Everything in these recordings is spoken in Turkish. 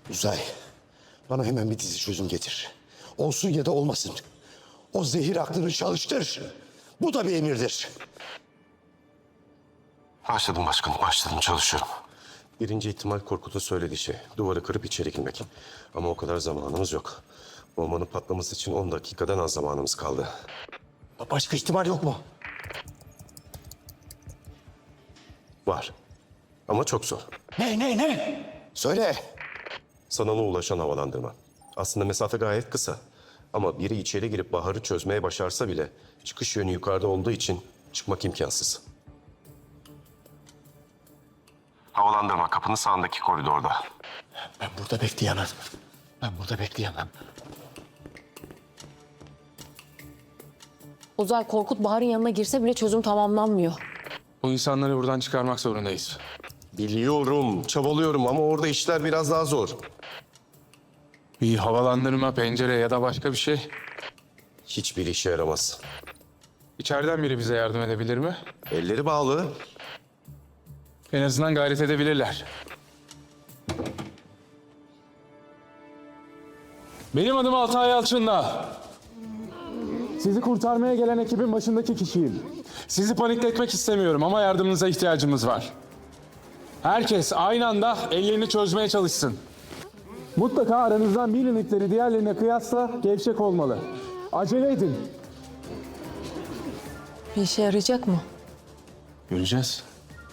Uzay, bana hemen bir dizi çözüm getir. Olsun ya da olmasın. O zehir aklını çalıştır. Bu da bir emirdir. Başladım başkanım, başladım, çalışıyorum. Birinci ihtimal Korkut'un söylediği şey. Duvarı kırıp içeri girmek. Ama o kadar zamanımız yok. Bombanın patlaması için 10 dakikadan az zamanımız kaldı. Başka ihtimal yok mu? Var. Ama çok zor. Ne? Söyle. Sanala ulaşan havalandırma. Aslında mesafe gayet kısa. Ama biri içeri girip Bahar'ı çözmeye başarsa bile çıkış yönü yukarıda olduğu için çıkmak imkansız. Havalandırma kapının sağındaki koridorda. Ben burada bekleyemem. Uzay, Korkut Bahar'ın yanına girse bile çözüm tamamlanmıyor. Bu insanları buradan çıkarmak zorundayız. Biliyorum, çabalıyorum ama orada işler biraz daha zor. Bir havalandırma, pencere ya da başka bir şey. Hiçbir işe yaramaz. İçeriden biri bize yardım edebilir mi? Elleri bağlı. En azından gayret edebilirler. Benim adım Altay Yalçın'la. Sizi kurtarmaya gelen ekibin başındaki kişiyim. Sizi panikletmek istemiyorum ama yardımınıza ihtiyacımız var. Herkes aynı anda ellerini çözmeye çalışsın. Mutlaka aranızdan bir unitleri diğerlerine kıyasla gevşek olmalı. Acele edin. Bir işe yarayacak mı? Göreceğiz.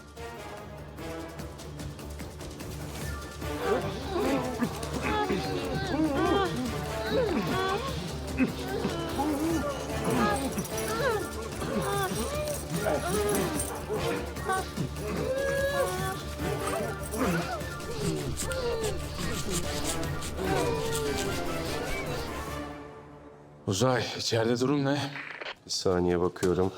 Uzay, içeride durum ne? Bir saniye bakıyorum.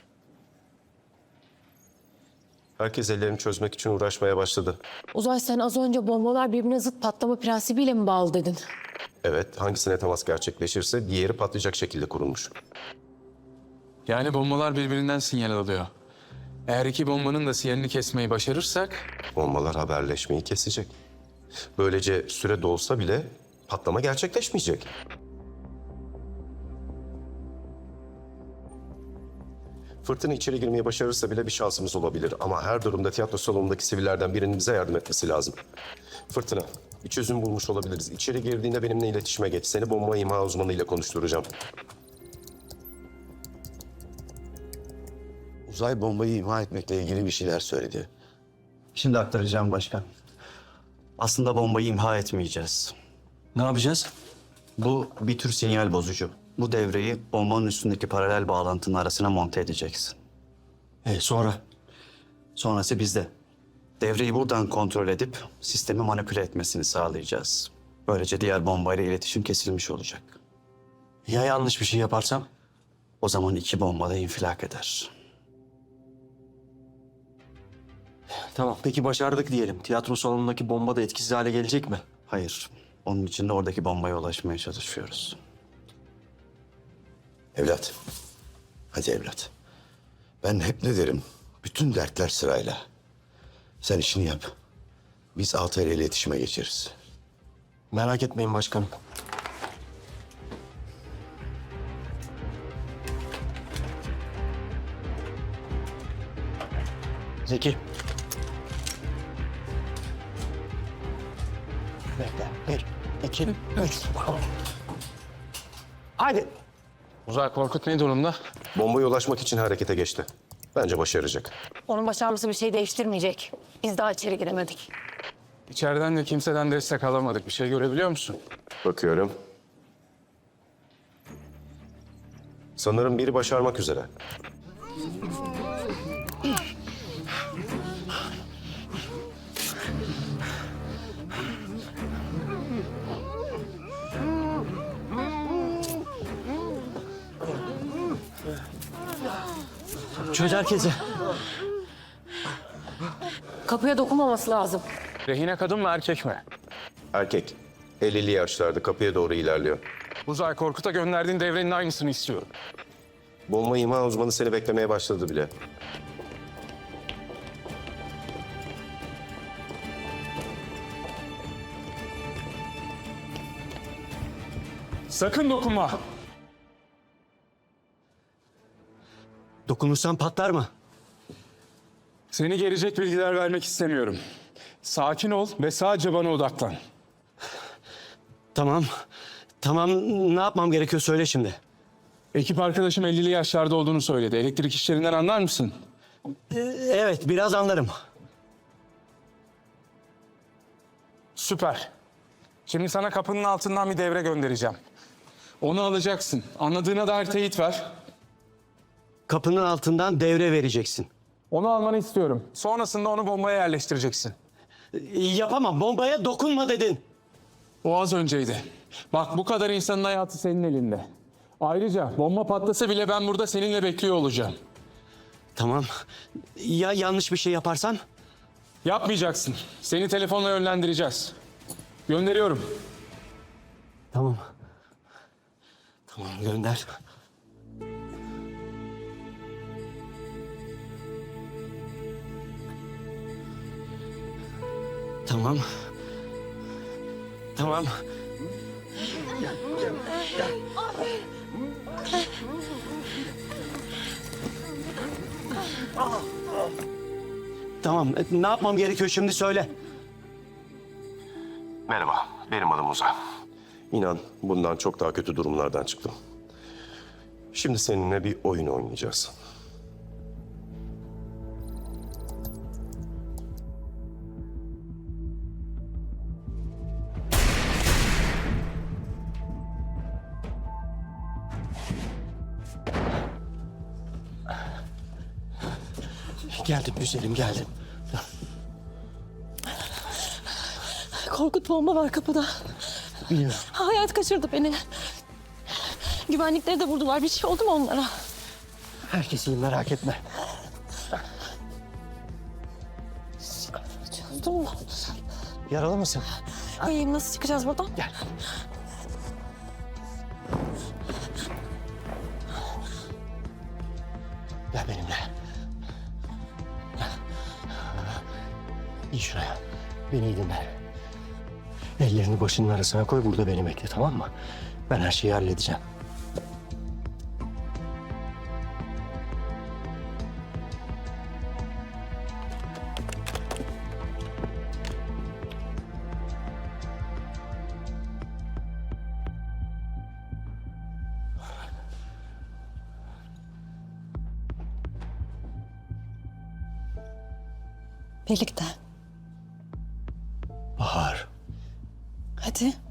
Herkes ellerini çözmek için uğraşmaya başladı. Uzay, sen az önce bombalar birbirine zıt patlama prensibiyle mi bağlı dedin? Evet, hangisine temas gerçekleşirse diğeri patlayacak şekilde kurulmuş. Yani bombalar birbirinden sinyal alıyor. Eğer iki bombanın da sinyalini kesmeyi başarırsak... Bombalar haberleşmeyi kesecek. Böylece süre dolsa bile patlama gerçekleşmeyecek. Fırtına içeri girmeyi başarırsa bile bir şansımız olabilir. Ama her durumda tiyatro salonundaki sivillerden birinin bize yardım etmesi lazım. Fırtına, bir çözüm bulmuş olabiliriz. İçeri girdiğinde benimle iletişime geç. Seni bomba imha uzmanıyla konuşturacağım. Uzay bombayı imha etmekle ilgili bir şeyler söyledi. Şimdi aktaracağım başkan. Aslında bombayı imha etmeyeceğiz. Ne yapacağız? Bu bir tür sinyal bozucu. Bu devreyi bombanın üstündeki paralel bağlantının arasına monte edeceksin. Sonra? Sonrası bizde. Devreyi buradan kontrol edip sistemi manipüle etmesini sağlayacağız. Böylece diğer bombayla iletişim kesilmiş olacak. Ya yanlış bir şey yaparsam? O zaman iki bomba da infilak eder. Tamam. Peki başardık diyelim. Tiyatro salonundaki bomba da etkisiz hale gelecek mi? Hayır, onun için de oradaki bombaya ulaşmaya çalışıyoruz. Evlat. Hadi evlat. Ben hep ne derim? Bütün dertler sırayla. Sen işini yap. Biz Altay ile iletişime geçeriz. Merak etmeyin başkanım. Zeki. Bekle. 1, 2, 3. Hadi. Uzay, Korkut ne durumda? Bombaya ulaşmak için harekete geçti. Bence başaracak. Onun başarması bir şey değiştirmeyecek. Biz daha içeri giremedik. İçeriden de kimseden destek alamadık. Bir şey görebiliyor musun? Bakıyorum. Sanırım biri başarmak üzere. Çöz herkesi. Kapıya dokunmaması lazım. Rehine kadın mı erkek mi? Erkek. 50'li yaşlarda kapıya doğru ilerliyor. Uzay, Korkut'a gönderdiğin devrenin aynısını istiyorum. Bomba imha uzmanı seni beklemeye başladı bile. Sakın dokunma. Dokunursan patlar mı? Seni gelecek bilgiler vermek istemiyorum. Sakin ol ve sadece bana odaklan. Tamam. Tamam, ne yapmam gerekiyor söyle şimdi. Ekip arkadaşım 50'li yaşlarda olduğunu söyledi. Elektrik işlerinden anlar mısın? Evet, biraz anlarım. Süper. Şimdi sana kapının altından bir devre göndereceğim. Onu alacaksın. Anladığına dair teyit ver. Kapının altından devre vereceksin. Onu almanı istiyorum. Sonrasında onu bombaya yerleştireceksin. Yapamam, bombaya dokunma dedin. O az önceydi. Bak bu kadar insanın hayatı senin elinde. Ayrıca bomba patlasa bile ben burada seninle bekliyor olacağım. Tamam. Ya yanlış bir şey yaparsan? Yapmayacaksın. Seni telefonla yönlendireceğiz. Gönderiyorum. Tamam. Tamam, gönder. Tamam. Tamam. Tamam. Ne yapmam gerekiyor şimdi söyle. Merhaba, benim adım Uzay. İnan bundan çok daha kötü durumlardan çıktım. Şimdi seninle bir oyun oynayacağız. Geldim güzelim, geldim. Korkut, bomba var kapıda. Biliyorum. Hayat kaçırdı beni. Güvenlikleri de vurdular. Bir şey oldu mu onlara? Herkes iyi, merak etme. Çözdüm mü? Yaralı mısın? İyiyim. Nasıl çıkacağız buradan? Gel. Gel benimle. Gel. İyi şuraya. Beni iyi dinle. Ellerini başının arasına koy, burada beni bekle, tamam mı? Ben her şeyi halledeceğim. Birlikte. Bahar. Hadi.